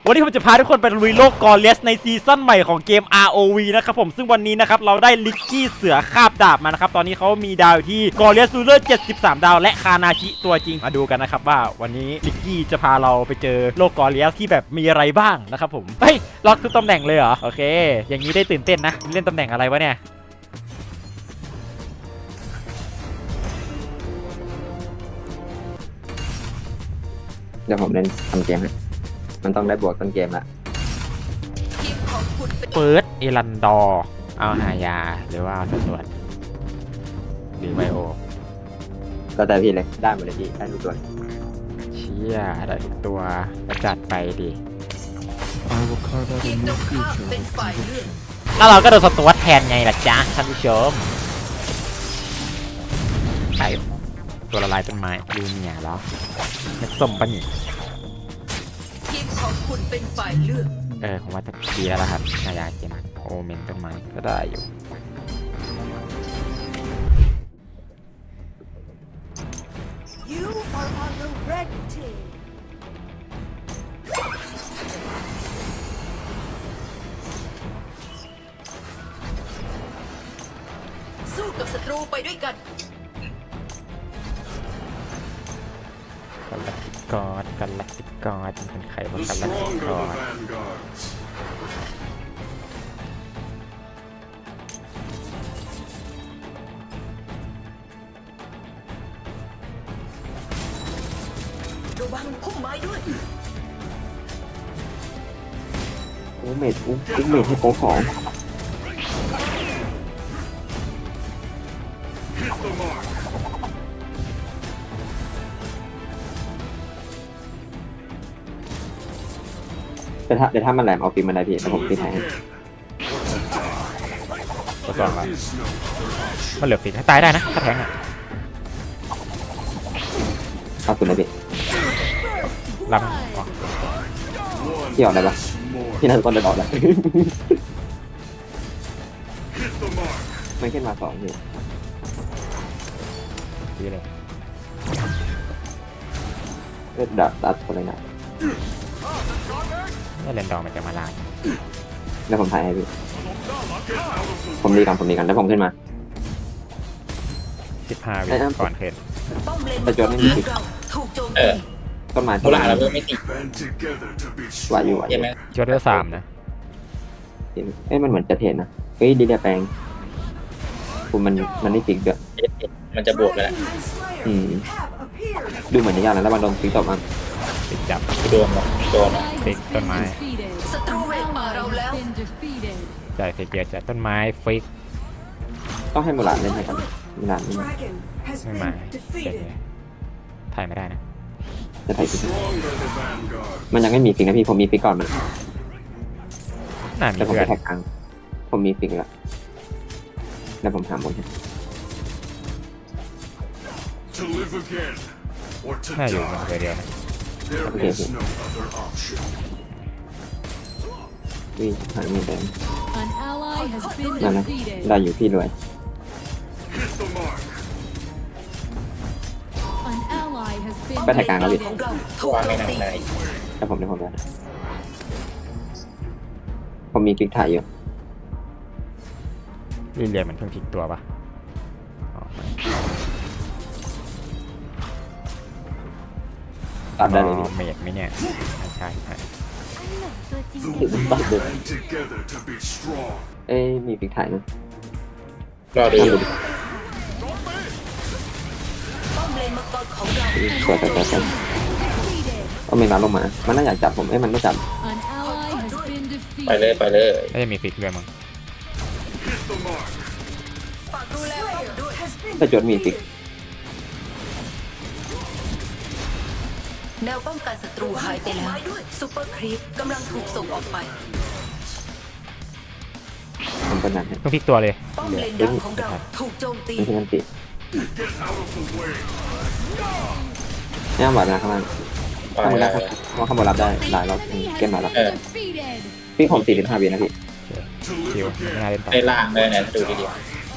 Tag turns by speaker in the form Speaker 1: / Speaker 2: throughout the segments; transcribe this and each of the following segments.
Speaker 1: วันนี้ผมจะพาทุกคนไปลุยโลกกอร์เลียสในซีซั่นใหม่ของเกม ROV นะครับผมซึ่งวันนี้นะครับเราได้ลิกกี้เสือคาบดาบมานะครับตอนนี้เขามีดาวอยู่ที่กอร์เลียสรูเลอร์73ดาวและคานาชิตัวจริงมาดูกันนะครับว่าวันนี้ลิกกี้จะพาเราไปเจอโลกกอร์เลียสที่แบบมีอะไรบ้างนะครับผมเฮ้ยล็อกทุกตำแหน่งเลยเหรอโอเคอย่างนี้ได้ตื่นเต้นนะเล่นตำแหน่งอะไรวะเนี่ย
Speaker 2: เดี๋ยวผมเล่นทำเกมให้มันต้องได้บวกต้นเกมละ
Speaker 1: เฟิร์สเอรันดอร์เอาหายาหรือว่าเอาตรวจหรือไวโอ
Speaker 2: ก็แต่พี่เลยได้หมดเลยพี่ได้ทุกตัว
Speaker 1: เชี่ยได้ทุกตัวจัดไปดิแล้วเราก็โดนสตวตแทนไงล่ะจ๊ะท่านผู้ชมไปตัวละลายต้นไม้ดูเนี่ยแล้วเม็ดส้มปะนี่
Speaker 3: ทีมของคุณเป็นฝ่ายเลือก
Speaker 1: ผมว่าจะดีแล้วล่ะครับนายาเกมโอเมนต้นไม้ก็ได้อยู่
Speaker 3: สู้กับศัตรูไปด้วยกัน
Speaker 1: กันลักติกอดกันลักติกอดเป็นใครบ้างกันลักติกอด
Speaker 3: ระวังพุ่มไม้ด้วย
Speaker 2: เมดให้โป๊ของเดี๋ยวถ้ามันแหลมเอาปีมันได้พี่แต่ผมปีแทง
Speaker 1: ตัวสองละมันเหลือฟิกให้ตายได้นะถ้าแทงอ่ะ
Speaker 2: เอาคุณได้พี่
Speaker 1: ลำ
Speaker 2: พี่ออกได้ปะพี่น่าจะต้นได้ออกแล้วไม่ขึ้นมาสองพี่
Speaker 1: ดีเลย
Speaker 2: ดับตัดคนเลยนะ
Speaker 1: นี่เลนดองมันจะมาล้าง
Speaker 2: แล้วผมถ่ายให้พี่ผมดีกันแล้วผมขึ้นมา
Speaker 1: 15วิก่อนขึ้น
Speaker 2: แต่จนไม่มีสิต้นไม้
Speaker 4: ต้นไม้เราไม่ติด
Speaker 2: ไหวอยู่
Speaker 4: ใช่ไหม
Speaker 1: จดได้3นะ
Speaker 2: มันเหมือนจะเทนนะเฮ้ยดีเดียแปลงคุณมันไม่ฟิกเด้อ
Speaker 4: มันจะบวกไปแล้ว
Speaker 2: ดูเหมือนจะยากนะแล้วมันโดนฟิกตบมา
Speaker 1: ติดจับ
Speaker 4: โดน
Speaker 1: ฟิกต้นไม้
Speaker 3: ศัตรูเวกป่าเราแล้ว
Speaker 1: จ่ายฟิกเยอะจัดต้นไม้ฟิก
Speaker 2: ต้องให้มูลาดเล่นให้กันมูลาดไม่
Speaker 1: มาถ่ายไม่ได้นะ
Speaker 2: จะถ่ายฟิกมันยังไม่มีฟิกนะพี่ผมมีฟิกก่อนมันแต่ผมไปแท็กกลางผมมีฟิกแล้วแล้วผมถามบน
Speaker 1: น่าอยู่มันเดียวนะ
Speaker 2: โอเควิ่งหายไม่ได้นั่นนะได้อยู่พี่รวยไปถ่ายกลางแล้วพี่
Speaker 4: วางในหนังใน
Speaker 2: แต่ผมได้ผมมีฟิกถ่ายอยู่
Speaker 1: เรียนมันเพิ่งพลิกตัวปะ
Speaker 2: ตัดได้เลย
Speaker 1: เมดไหมเนี่ยใช่
Speaker 2: มีฟิกถ่ายนะ
Speaker 4: รอดู
Speaker 2: สวยก็ไม่มาลงมามันน่าอยากจับผมมันไม่จับ
Speaker 4: ไปเลย
Speaker 1: น่าจะมีฟิกด้วยมั้ง
Speaker 2: ถ้าจดมีฟิก
Speaker 3: แนวป้องกันศัตรูหายไปแล้วซุปเปอร์ครีปกำลังถูกส่งออกไป
Speaker 2: ผมเป็นนั้น
Speaker 1: ต้องพลิกตัวเลย
Speaker 3: ป้อมเลนดังของเราถูกโจมตี
Speaker 2: ไม่ใช่มันติดเนี่ยหวานนะข้างล่างข้างบนรับว่าข้างบนรับได้หลายรอบเกมมาแล้วพี่ผม45 วินะพี่
Speaker 1: คิวไม่น่าเล่นต่อ
Speaker 4: ในล่างเลยนะดูดี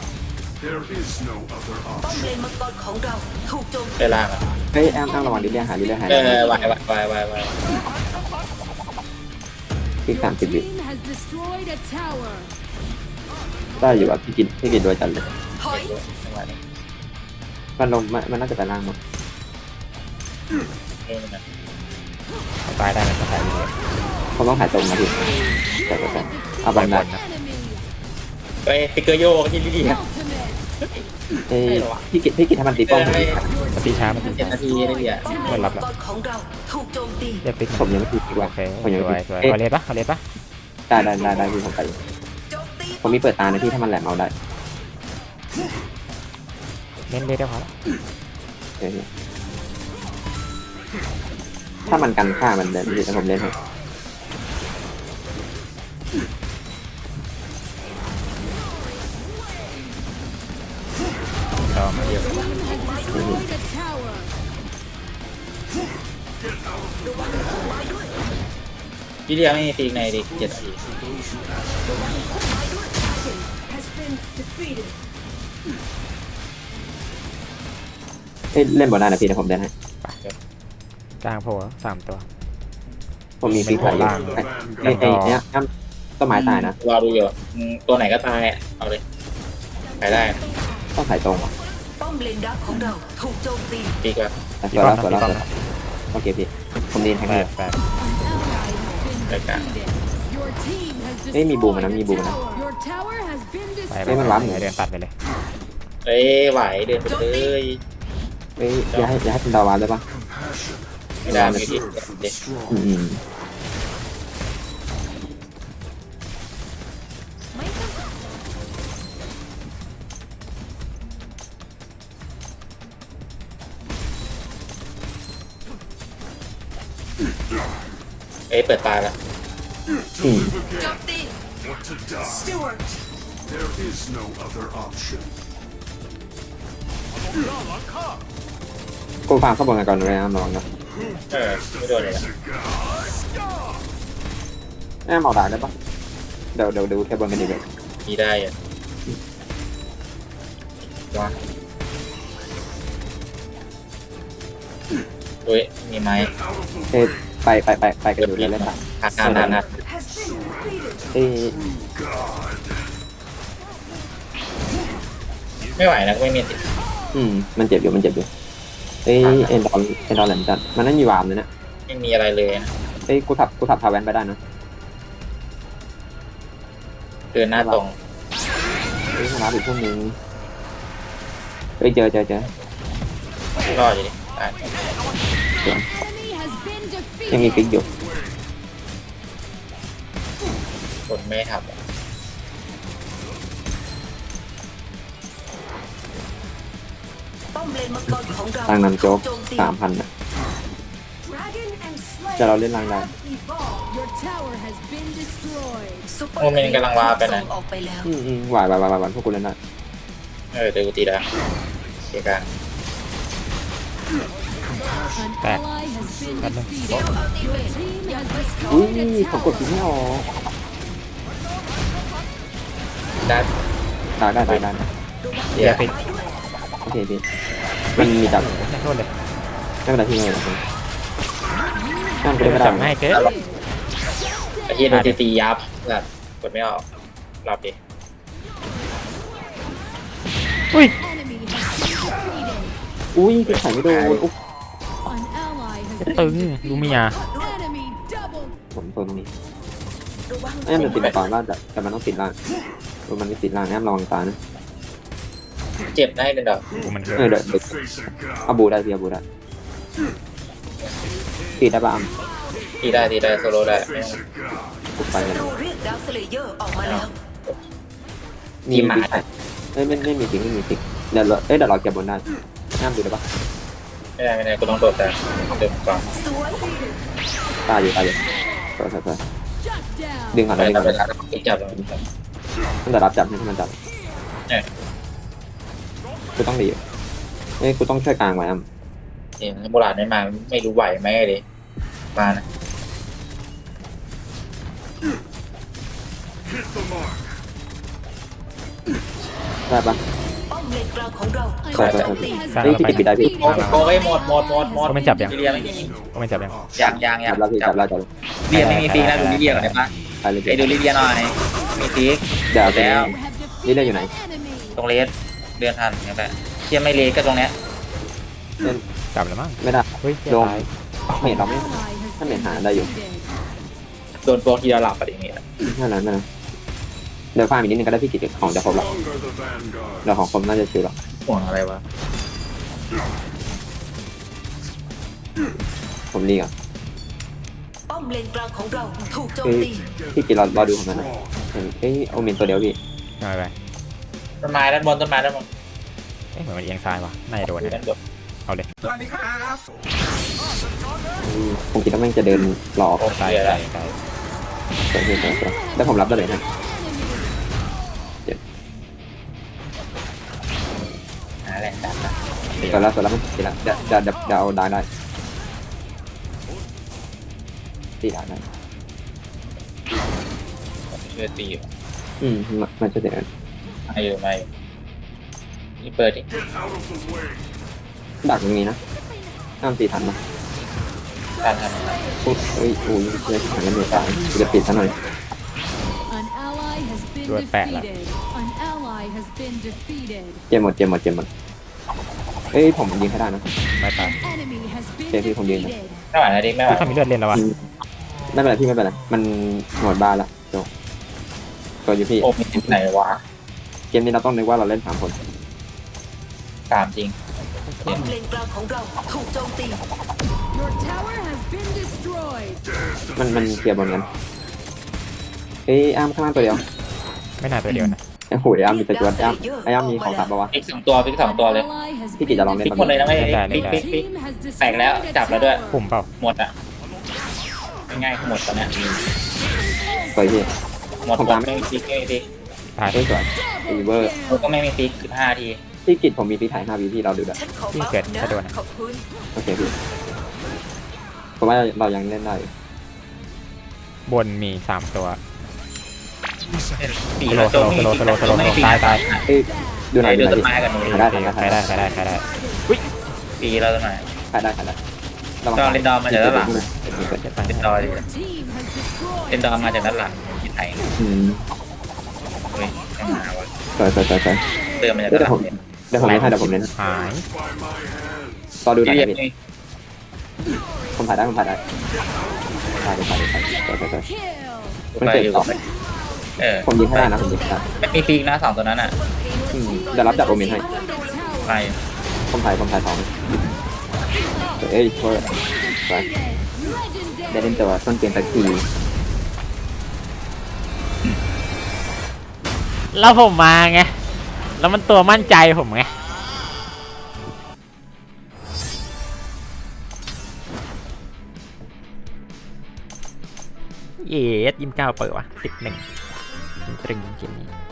Speaker 3: ป้อมเลนมังกรของเราถูกโจมตี
Speaker 4: ในล่าง
Speaker 2: เฮ้ยแอมระวังดิเลียหาย
Speaker 4: วาย
Speaker 2: ฟิก
Speaker 5: Your
Speaker 2: 30 วิ
Speaker 5: team has destroyed a tower.
Speaker 2: ได้อยู่ว่าพี่กินโดยจันเลย
Speaker 3: ถอย
Speaker 4: จังหวะนี้
Speaker 2: มันลงมันน่าจะไปล่างมั้ง
Speaker 4: เรื่องนึงนะ
Speaker 1: ตายได้นะตายดีเลย
Speaker 2: เขาต้องถ่ายตรงนะพี่แต่เอาบันได
Speaker 5: Enemy
Speaker 4: เฮ้ยฟิกเกอร์โยกที่ดีอ่ะ
Speaker 5: ultimate.
Speaker 2: เอ้ยพี่กินให้มันตีป้องผม
Speaker 1: มันตีช้ามันตี
Speaker 4: 7
Speaker 1: ช้า
Speaker 4: นาทีได้ดีอ่ะ
Speaker 3: ป้อมเลนมังกรของเราถูกโจมตี
Speaker 1: เรียกปิ๊ก
Speaker 2: ผมยังไม่ตีดีกว่า
Speaker 1: โอเค
Speaker 2: ผมยัง
Speaker 1: ส
Speaker 2: ไม่
Speaker 1: วย
Speaker 2: ตี
Speaker 1: สวย
Speaker 2: เอ๊ะ
Speaker 1: เอาเลสปะเอาเลสปะ
Speaker 2: ได้พี่ผมไปอยู่
Speaker 3: โจมตี
Speaker 2: ผมมีเปิดตานะพี่ถ้ามันแหลมเอาได้
Speaker 1: เล่นเลสได้พอละ
Speaker 2: เออถ้ามันกันฆ่ามันเดินพี่แต่ผมเล่นให้
Speaker 1: ต่อมาเดียว
Speaker 5: Destroyed a tower.
Speaker 4: พี่เรียไม่มีฟิกในดิ7 นาที
Speaker 2: เอ้ยเล่นบอลได้นะพี่แต่ผมเล่นให้
Speaker 1: กลางโผล่3 ตัว
Speaker 2: ผมมีฟิกใส่อยู่เอ้ยเนี่ยต้นไม้ตายนะ
Speaker 4: รอดูอยู่ตัวไหนก็ตายอ่ะเอาเลยไปได้นะ
Speaker 2: ต้องใส่ตรง
Speaker 3: ป้อมเลนดักของเราถูกโจมตี
Speaker 4: ฟิกแบบ
Speaker 2: แต่สวยแล้วโอเคพี่ผมดีนแทง
Speaker 1: แป
Speaker 2: เลย
Speaker 1: ดแปด
Speaker 5: An ally has been
Speaker 4: รายการ
Speaker 5: defeated. Your team has
Speaker 2: เอ้ยมีบูม
Speaker 5: destroyed
Speaker 2: นะ
Speaker 5: a
Speaker 2: มีบูมนะ
Speaker 5: tower. Your tower has been
Speaker 1: ไป
Speaker 5: destroyed.
Speaker 2: เฮ้ยมันว้าหมู
Speaker 1: เดินตัดไปเลย
Speaker 4: เอ้ยไหวเดินไปเลย
Speaker 2: เอ้ยอย่าให้เป็นดาวานเลยปะ
Speaker 4: ไม่ได้ไม่ดีเด็ก
Speaker 2: อืม
Speaker 4: เอ้ยเปิดตาแล้ว
Speaker 2: อืม
Speaker 3: โจมตี
Speaker 6: Want to die? There is no other option.
Speaker 2: กูฟังเข้าบอลกันก่อนเลยนะน้องนะ
Speaker 4: ไม่โดนเลยนะ
Speaker 2: แอมเอาดาได้ปะเดี๋ยวดูแค่บอลกันดีกว่า
Speaker 4: มีได้อ่ะว้าเฮ้ยมีไม้
Speaker 2: เอ้ยไปกันอยู่เลยเล่นปะ
Speaker 4: นาน
Speaker 2: เอ้ย
Speaker 4: ไม่ไหวนะไม่มีติด
Speaker 2: มันเจ็บอยู่เอ้ยเอ็นดอลแหลมจัดมันไม่มีวามเลยนะ
Speaker 4: ไม่มีอะไรเลยนะ
Speaker 2: เอ้ยกูถับพาแวนไปได้นะ
Speaker 4: เดินหน้าตรง
Speaker 2: เอ้ยมารับอีกพวกนึงเอ้ยเจอ
Speaker 4: รอดอยู่ดิตาย
Speaker 5: Enemy has been
Speaker 2: ยังมี
Speaker 5: defeated.
Speaker 2: ฟิกอยู่
Speaker 4: คนไม่ทับอะ
Speaker 3: ป้อมเลนมังกรของเรา
Speaker 2: ทางนำโจ๊ก
Speaker 3: ถูโจมตี
Speaker 2: 3,000นะจะเราเล่นรางได้
Speaker 5: Your tower has been destroyed.
Speaker 3: ซุปเปอร์
Speaker 4: โมเมนต์กำลังวาไปนะ
Speaker 3: ส่งออกไปแล้ว
Speaker 2: ไหวพวกกูเล่นได้
Speaker 4: เดี๋ยวกูตีได้เกี่ยกัน
Speaker 5: An
Speaker 1: Back.
Speaker 5: ally has been
Speaker 1: Back.
Speaker 5: defeated.
Speaker 3: เดี๋ยวเอาตีเว
Speaker 5: Your
Speaker 3: ท
Speaker 5: team has
Speaker 2: อุ้ย
Speaker 5: destroyed a
Speaker 2: ผมกด
Speaker 5: tower.
Speaker 2: ฟิกไม่ออก
Speaker 4: ได้
Speaker 2: ได้
Speaker 4: เดี๋ยว
Speaker 1: ปิด
Speaker 2: โอเคพี่มันมีจับ
Speaker 1: ไม่โทษเลย
Speaker 2: ไม่เป็นไรพี่ไม่เป็นไรนั่น
Speaker 1: เดี๋
Speaker 2: ก็
Speaker 1: ยว
Speaker 2: ไม่ได้
Speaker 1: จับให้เกิน
Speaker 4: ไอ้ที่โดนตียับแบบกดไม่ออกรับดิ
Speaker 1: อุ้ย
Speaker 5: Enemy has been defeated.
Speaker 2: อุ้ยพี่ไข่ไม่โดนอุ๊บ
Speaker 5: An ally has
Speaker 1: ตึ
Speaker 5: been
Speaker 1: งลูเมีย
Speaker 5: enemy double.
Speaker 2: ผมโซนตรงนี้แอมมันติดต่อล่างแต่มันต้องติดล่างมันไม่ติดล่างแอมระวังตานะ
Speaker 4: เจ็บได้เลยดอก
Speaker 1: กูมันเกิน
Speaker 2: เดี๋ยว
Speaker 6: Face a god.
Speaker 2: อาบูได้พี่อาบูได้ตีได้ปะอัม
Speaker 4: ตีได้โซโล่ได้ไม่ต้อง
Speaker 6: Face a god.
Speaker 2: ปุ๊บไปเลย
Speaker 3: เราเรียกดาวสเลเยอร์ออกมาแล้ว
Speaker 2: มีหมาไม่มีติ๊กเดี๋ยวเราเก็บบนได้แอมดูได้ปะ
Speaker 4: ไม่ได้กูต้องโดดแต่เดินก่อน
Speaker 3: สวย
Speaker 2: ตายอยู่สวย
Speaker 5: Shut down.
Speaker 2: ดึงก่อน
Speaker 4: ไป
Speaker 2: ดึง
Speaker 4: แล้ว
Speaker 2: ก่อน
Speaker 4: ไปแล้วติดจับเลย
Speaker 2: ตั้งแต่รับจับให้มันจับ
Speaker 4: เนี่ย
Speaker 2: กูต้องดีกูต้องช่วยกลางไว้อัม
Speaker 4: นี่โบราณไม่มาไม่รู้ไหวไหมเลยมานะ
Speaker 6: Hit the mark.
Speaker 2: ได้ปะ
Speaker 3: ป้อมเลนกลางของเรา
Speaker 5: An
Speaker 2: ใช่
Speaker 5: enemy has
Speaker 1: สร้าง
Speaker 2: เฮ้ย
Speaker 1: แล้ว
Speaker 2: พี่
Speaker 1: ไป
Speaker 2: ปิดได้พี่
Speaker 4: โอ้ยหมด
Speaker 1: เขาไม่จับยัง
Speaker 4: ทีเรียไม่มี
Speaker 1: ก็ไม่จับยัง
Speaker 4: ยัง
Speaker 2: จับแล้วพี่จับแล้ว
Speaker 1: ไ
Speaker 4: เบียร์ไม่มีฟิกนะดูลิเบียก่อนได้ปะ
Speaker 2: ไปเลย
Speaker 4: ไอ้ดูลิเบียหน่อยมีฟิก
Speaker 2: เดี๋ยว
Speaker 4: แล้ว
Speaker 2: นี่เล่นอยู่ไหน
Speaker 5: Enemy.
Speaker 4: ตรงเลสเดือนทันอย่างแบบเทียไม่เลสก็ตรงเนี้ย
Speaker 2: เล่น
Speaker 1: กลับแล้วมั้ง
Speaker 2: ไม่ได้
Speaker 1: เฮ้ยเหี้ย
Speaker 2: โดม
Speaker 1: ตาย
Speaker 2: เมทเราไม่
Speaker 5: Ally has
Speaker 2: Thân
Speaker 5: been
Speaker 2: mệt hả? Đây rồi.
Speaker 5: defeated.
Speaker 4: โดนโปรทีละหลับอะไรอย่างเงี้ย
Speaker 2: นั่นแหละเดี๋ยวฟาร์มอีกนิดนึงก็ได้พี่กิจของจะครบแล้ว
Speaker 6: Stronger the vanguard.
Speaker 2: เดี๋ยวของครบน่าจะชิวแล้ว
Speaker 4: ห่วงอะไรวะ
Speaker 2: ผมรีก่อน
Speaker 3: ป้อมเลนกลางของเราถูกโจม
Speaker 2: เฮ้ย
Speaker 3: ตี
Speaker 2: พี่กิจรอดูของมันหน่อยเฮ้ยโอเมนตัวเดียวพี่
Speaker 1: ไม่ไป
Speaker 4: ต้นไม้ด้านบนต้นไม้ด้านบน
Speaker 1: เอ๊ะเหมือนมันเอียงซ้ายว่ะน่าจะโดน
Speaker 4: ด้า
Speaker 1: นะ
Speaker 4: นบน
Speaker 1: เอาเลย
Speaker 2: ผมคิดว่าแม่งจะเดินหลอก
Speaker 4: โอ้
Speaker 1: ซ้าย
Speaker 4: เบียร์
Speaker 1: ซ้า
Speaker 4: แล้ว
Speaker 1: ยซ้าย
Speaker 2: แล้วผมรับได้เลยนะ
Speaker 4: หาแรงดันนะ
Speaker 2: ตัวแล้วมันกินแล้วเดี๋ยวเอาได้ตีได้
Speaker 4: ช่วยตีอยู่
Speaker 2: มันจะเดี๋ยว
Speaker 4: มาอยู่นี่เปิดดิ
Speaker 6: Get out of the way.
Speaker 2: ดักตรงนี้นะห้ามตีทันนะ
Speaker 4: การทำ
Speaker 2: เฮ้ยโอ้ยเชื่อถังกันเลยตายจะปิดซะหน่อย
Speaker 5: An ally has been
Speaker 1: Đuổi bẹ lắm.
Speaker 5: defeated. An ally has been defeated.
Speaker 2: เจมหมดเอ้ยผมยิงให้ได้นะ
Speaker 1: ไม่ตาย
Speaker 5: Enemy has been
Speaker 2: Thế thì không điên
Speaker 5: defeated.
Speaker 4: ไม่ไหวนะดิไม่ไหว
Speaker 1: ถ้ามีเลือดเล่นแล้ววะ
Speaker 2: ไม่เป็นไรพี่ไม่เป็นไรมันหมดบ้านละจบก็อยู่พี่
Speaker 4: โอ้มีที่ไหนวะ
Speaker 2: เกมนี้เราต้องนึกว่าเราเล่น3 คน
Speaker 4: ตามจริง
Speaker 3: ป้อมเลนกลางของเราถูกโจมตี
Speaker 5: Your tower has been destroyed.
Speaker 2: มันเคลียร์บนกันเอ้ยอ้ามข้างล่างตัวเดียว
Speaker 1: ไม่น่าตัวเดียวนะ
Speaker 2: ไอ้โหยอ้ามมีแต่จวดอ้ามมีของสับปะวะ
Speaker 4: ฟิก2 ตัวฟิก2 ตัวเลย
Speaker 5: An ally has
Speaker 2: Cái gì
Speaker 5: been
Speaker 2: chả lòng lên
Speaker 4: ฟิกหมดเลยนะไม่
Speaker 5: defeated.
Speaker 4: ฟิกฟิก
Speaker 5: Your
Speaker 4: ฟิก
Speaker 5: team has
Speaker 4: แตกแล้ว
Speaker 5: destroyed a
Speaker 4: จับแล้วด้วย
Speaker 1: ปุ่มเปล่า
Speaker 4: หมดอ่ะง่ายๆหมดตอนเนี้ย
Speaker 2: สวยพี่
Speaker 4: หมดหมดไม่มีฟิกไม่มีฟิก
Speaker 1: ตาย
Speaker 2: เฮ้ยสวยอีเวอร์
Speaker 4: เราก็ไม่มีฟิก15 ที
Speaker 2: พี่กิจผมมีพี่ถ่าย5 วิพี่เราดูด้วย
Speaker 3: ฉันขอบัฟนะขอบคุณ
Speaker 2: โอเคพี่ผมว่าเรายังเล่นได้อยู่
Speaker 1: บนมี3ตัว
Speaker 4: ปี
Speaker 1: สโล
Speaker 4: เรา
Speaker 1: ว์
Speaker 4: โจมไม่มีฟิก
Speaker 1: สโลว์
Speaker 4: ไม่มีฟิก
Speaker 1: ตาย
Speaker 2: เอ้ยดูหน่อย
Speaker 4: ดู
Speaker 2: ดูหน่อย
Speaker 4: ต้น
Speaker 2: ดิ
Speaker 4: ไม้กันหนู
Speaker 2: ถ่ายได้
Speaker 1: ใครได้
Speaker 4: ปีเราต้นไม้
Speaker 2: ถ่ายได้
Speaker 4: ต้องเล่นดอมมาจากด้านหลัง
Speaker 1: เจ็บไป
Speaker 4: เล่นดอม
Speaker 5: Your team has destroyed.
Speaker 4: เล่นดอมมาจากด้านหลังที่ไทย
Speaker 2: อืม
Speaker 4: เฮ้ยไม่มาวะ
Speaker 2: สวย
Speaker 4: เดินมาจากด้านหลังเนี่ย
Speaker 2: เดี๋ยวผมเล่นให้เดี๋ยวผมเล่น
Speaker 1: หาย
Speaker 6: By my hands.
Speaker 2: รอดูหน่อย
Speaker 4: ที่
Speaker 2: นะ
Speaker 4: เรียก
Speaker 2: พี่
Speaker 4: นี่
Speaker 2: ผมถ่ายได้ถ่ายสวย
Speaker 5: Kill.
Speaker 2: มัน
Speaker 4: ไป
Speaker 2: เกิด
Speaker 4: อยู่
Speaker 2: ต่อ ผมยิงให้ได้นะผมยิงให้ได้
Speaker 4: ไม่มีฟิกนะ2 ตัวนั้นอ่ะ
Speaker 2: เดี๋ยวรับจากโอเมนให้
Speaker 4: ไป
Speaker 2: ผมถ่าย2เอ้ยโทษสวย
Speaker 5: Legendary.
Speaker 2: ได้เล่นตัวต้นเกมตะกี้
Speaker 1: แล้วผมมาไง แล้วมันตัวมั่นใจผมไง เยส29เปิดวะ11ตรึงเกมนี้